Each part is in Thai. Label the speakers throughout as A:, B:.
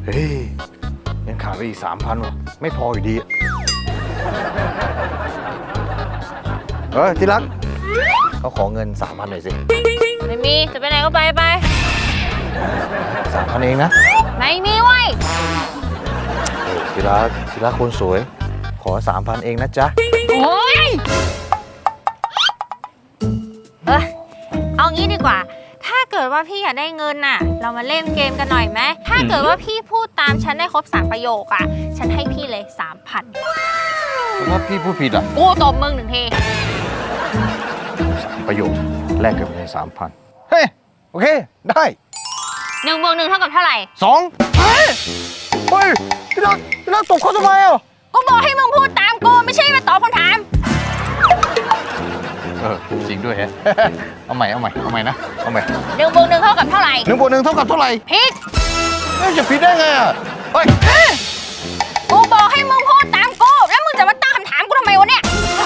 A: เฮ้ยยังขาดไปอีก3,000ว่ะไม่พออยู่ดีที่รักเขาขอเงิน3,000หน่อยสิ
B: ไม่มีจะไปไหนก็ไป
A: 3,000เองนะ
B: ไม่มีเว้ย
A: ที่รักคนสวยขอ3,000เองนะจ๊ะ
B: โอ้ยเอางี้ดีกว่าถ้าเกิดว่าพี่อยากได้เงินน่ะเรามาเล่นเกมกันหน่อยไหมถ้าเกิดว่าพี่พูดตามฉันได้ครบ3ประโยคอ่ะฉันให้พี่เลย 3,000
A: ถ้าพี่พูดผิดอ่ะ
B: กูตบมึง1 ที
A: 3 ประโยคแลกกับเงิน3,000เฮ้ยโอเคได้
B: 1 บวก 1เท่ากับเท่าไหร่
A: 2เฮ้ยที่รักตบเขาทำไมอ่ะ
B: กูบอกให้มึงพูดตามกูไม่ใช่มาตอบคำถาม
A: จริงด้วยฮะเอาใหม่นะเอาใหม่
B: 1 บวก 1เท่ากับเท่าไหร่
A: 1 บวก 1เท่ากับเท่าไหร่
B: ผิด
A: จะผิดได้ไงอ่ะ
B: กูบอกให้มึงพูดตามกูแล้วมึงจะมาตั้งคำถามกูทำไมวะเนี่ย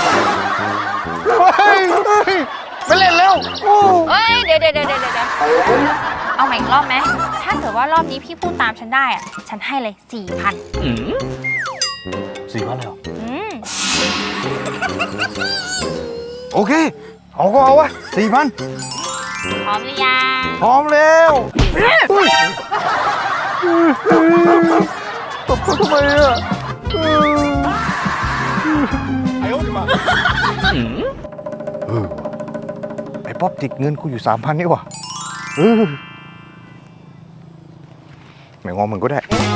A: ไม่เล่นแล้ว
B: เดี๋ยวเอาใหม่อีกรอบไหมถ้าเกิดว่ารอบนี้พี่พูดตามฉันได้อ่ะฉันให้เลย 4,000
A: 4,000เลยเหรอโอเคเอาก็เอาวะ4,000
B: พร้อมหรือยัง
A: พร้อมแล้วตบเขาทำไมอ่ะไอ้ป๊อปติดเงินกูอยู่ 3,000นี่ว่ะไม่งอมึงก็ได้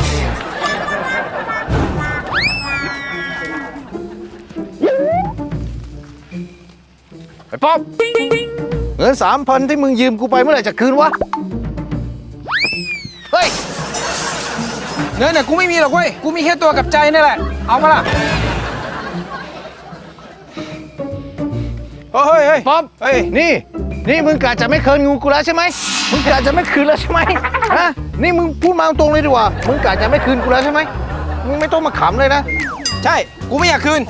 A: ไอ้ป๊อปเงิน 3,000ที่มึงยืมกูไปเมื่อไหร่จะคืนวะเฮ้ย
C: เงินน่ะกูไม่มีหรอกเว้ยกูมีแค่ตัวกับใจนี่แหละเอามาล่ะเฮ้ย
A: ป๊อปนี่มึงกะจะไม่คืนงูกูแล้วใช่ไหมมึงกะจะไม่คืนแล้วใช่ไหมฮะนี่มึงพูดมาตรงเลยดีกว่ามึงกะจะไม่คืนกูแล้วใช่ไหมมึงไม่ต้องมาขำเลยนะ
C: ใช่กูไม่อยากคืน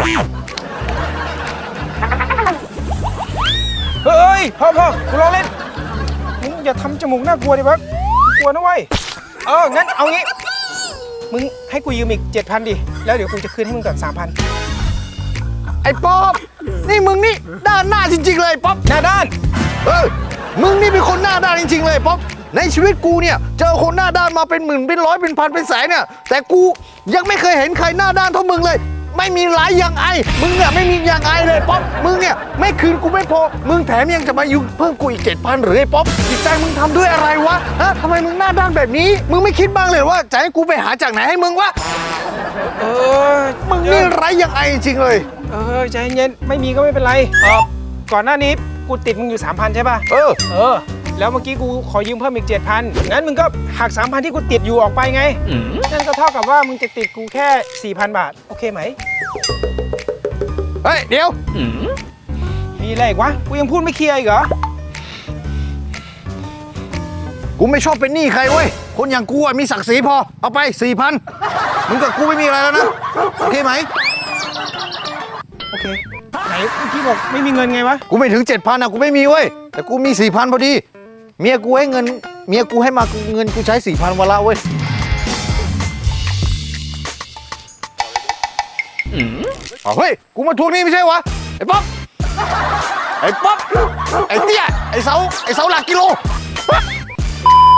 C: เฮ้ยพ่อกูรอเล่นมึงอย่าทำจมูกน่ากลัวดิวะกลัวนะเว้ยงั้นเอางี้มึงให้กูยืมอีก 7,000 ดิแล้วเดี๋ยวกูจะคืนให้มึงก่อน 3,000
A: ไอ้ป๊อปนี่มึงนี่ด้านหน้าจริงๆเลยป๊อป
C: หน้าด้าน
A: มึงนี่เป็นคนหน้าด้านจริงๆเลยป๊อปในชีวิตกูเนี่ยเจอคนหน้าด้านมาเป็นหมื่นเป็นร้อยเป็นพันเป็นแสนเนี่ยแต่กูยังไม่เคยเห็นใครหน้าด้านเท่ามึงเลยไม่มีหลายอย่างไอมึงเนี่ยไม่มีอย่างไอเลยป๊อปมึงเนี่ยไม่คืนกูไม่พอมึงแถมยังจะมายืมเพิ่มกูอีก 7,000หรือไอ้ป๊อปจิตใจมึงทำด้วยอะไรวะฮะทำไมมึงหน้าด้านแบบนี้มึงไม่คิดบ้างเลยว่าจะให้กูไปหาจากไหนให้มึงวะมึงนี่ไร้อย่างไอจริงเลย
C: ใจเย็นไม่มีก็ไม่เป็นไรก่อนหน้านี้กูติดมึงอยู่ 3,000 ใช่ป่ะแล้วเมื่อกี้กูขอยืมเพิ่มอีก 7,000 งั้นมึงก็หัก 3,000 ที่กูติดอยู่ออกไปไงนั่นก็เท่ากับว่ามึงจะติดกูแค่ 4,000 บาทโอเคไหม
A: เฮ้ยเดี๋ยว
C: มีอะไรอีกวะกูยังพูดไม่เคลียร์อีกเหรอ
A: กูไม่ชอบเป็นหนี้ใครเว้ยคนอย่างกูมีศักดิ์ศรีพอเอาไป 4,000มึงกับกูไม่มีอะไรแล้วนะโอเคไหม
C: โอเคไหนเมื่อกี้บอกไม่มีเงินไงวะ
A: กูไม่ถึง 7,000กูไม่มีเว้ยแต่กูมี 4,000พอดีเมียกูให้เงินเมียกูให้มาเงินกูใช้ 4,000วันละเว้ยเฮ้ยกูมาทวงหนี้ไม่ใช่วะไอ้ป๊อปไอ้เตี้ยไอ้เสาหลักกิโล